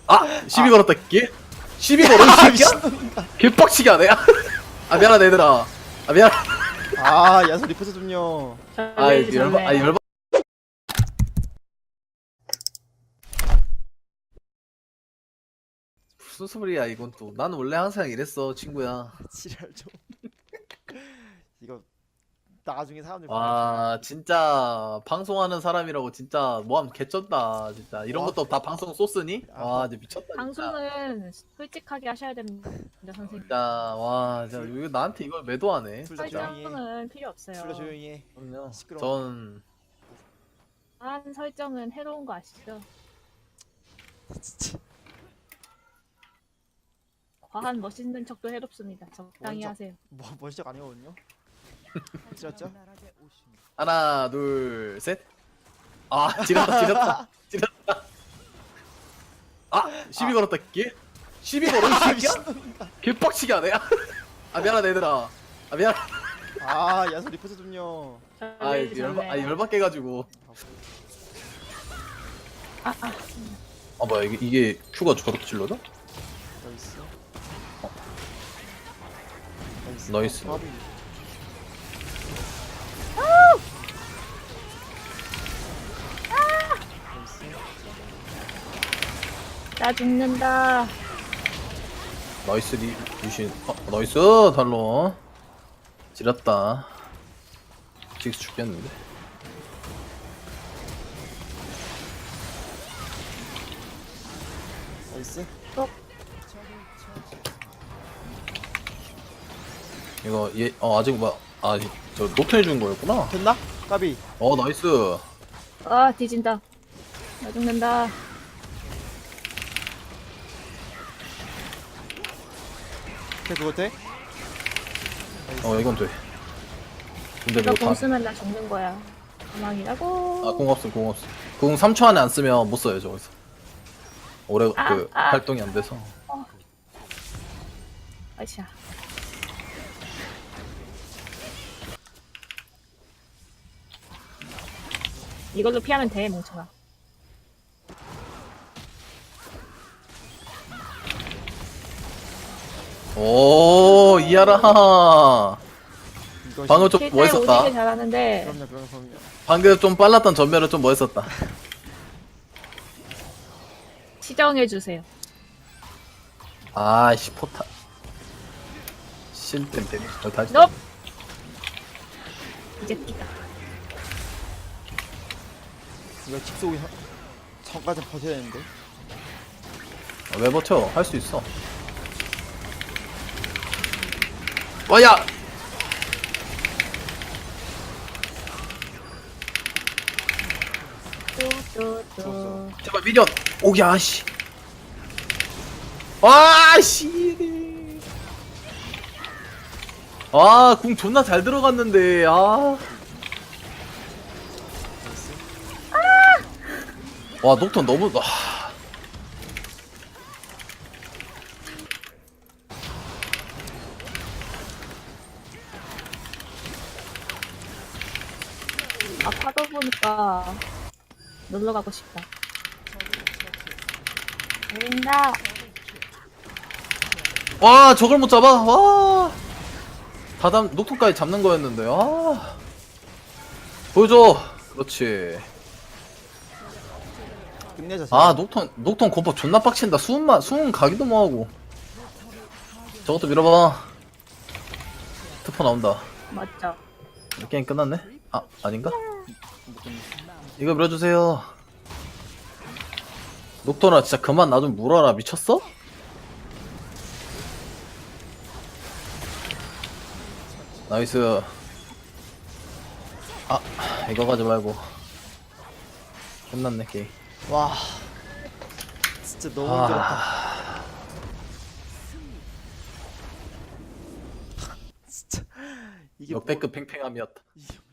아! 시비 걸었다 끼? 시비 걸어 이 새끼야? 개빡치게 하네. 아 미안하다 얘들아. 아 미안. 아 야수 리포트 좀요. 아 열받. 아 열받. 무슨 소리야 이건 또. 나는 원래 항상 이랬어 친구야. 지랄 좀. 이거 나중에 사람들 와 진짜 방송하는 사람이라고 진짜 뭐하면 개쩐다 진짜. 이런 와. 것도 다 방송 소스니? 아. 와 진짜 미쳤다 진짜. 방송은 솔직하게 하셔야 됩니다, 선생님. 진짜 와 진짜 이거 나한테 이걸 매도하네. 둘 다 조용히 해. 설정은 필요 없어요. 둘 다 조용히 해. 그럼요. 시끄러워. 전 한 설정은 해로운 거 아시죠? 진짜. 과한 멋있는 척도 해롭습니다. 적당히 먼저. 하세요. 뭐 시작 아니거든요. 지렸죠? 하나 둘 셋. 아 지렸다 지렸다 지렸다. 아 시비 걸었다 끼? 시비 걸어 이 새끼야? 개빡치게 하네. 아 미안하다 얘들아. 아 미안. 아 야수 리포트 좀요. 아 열받게 가지고. 아 뭐야 이게 큐가 저렇게 찔러져? 나이스. 나이스. 바비. 나이스. 나 죽는다. 나이스 리신. 나이스 달로. 지렸다. 직스 죽겠는데. 나이스. 이거 얘 아직 저 노트 해준 거였구나. 됐나? 까비. 나이스. 아 뒤진다. 나 죽는다. 걔 그거 돼? 이건 돼. 근데 이거 뭐 다. 공 쓰면 나 죽는 거야. 가망이라고. 공 없어 공 없어. 공 3초 안에 안 쓰면 못 써요 저기서. 오래 활동이 안 돼서. 아이샤. 이걸로 피하면 돼, 멍청아. 오 이하라. 이거 방금 좀 실제 멋있었다. 오지게 잘하는데 그럼요. 방금 좀 빨랐던 전멸은 좀 멋있었다. 시정해 주세요. 아씨 포탑. 실템 때문에 다시. 넵. 이제 뛰다. 이거 직속이 전까지 버텨야 되는데. 왜 버텨? 할 수 있어. 와야. 또또또. 제발 미련. 오야 씨. 와 씨. 궁 존나 잘 들어갔는데. 와 녹턴 너무. 파도 보니까 놀러 가고 싶다. 보인다. 와 저걸 못 잡아. 와. 다담 녹턴까지 잡는 거였는데. 보여줘. 그렇지. 끝내자. 녹턴 공법 존나 빡친다. 수은 가기도 뭐하고. 저것도 밀어봐. 트퍼 나온다. 맞죠? 게임 끝났네? 아닌가? 이거 밀어주세요. 녹턴아 진짜 그만 나 좀 물어라. 미쳤어? 나이스. 이거 가지 말고. 끝났네 게임. 와. 진짜 너무 힘들었다. 진짜 이게 역대급 팽팽함이었다. 뭐,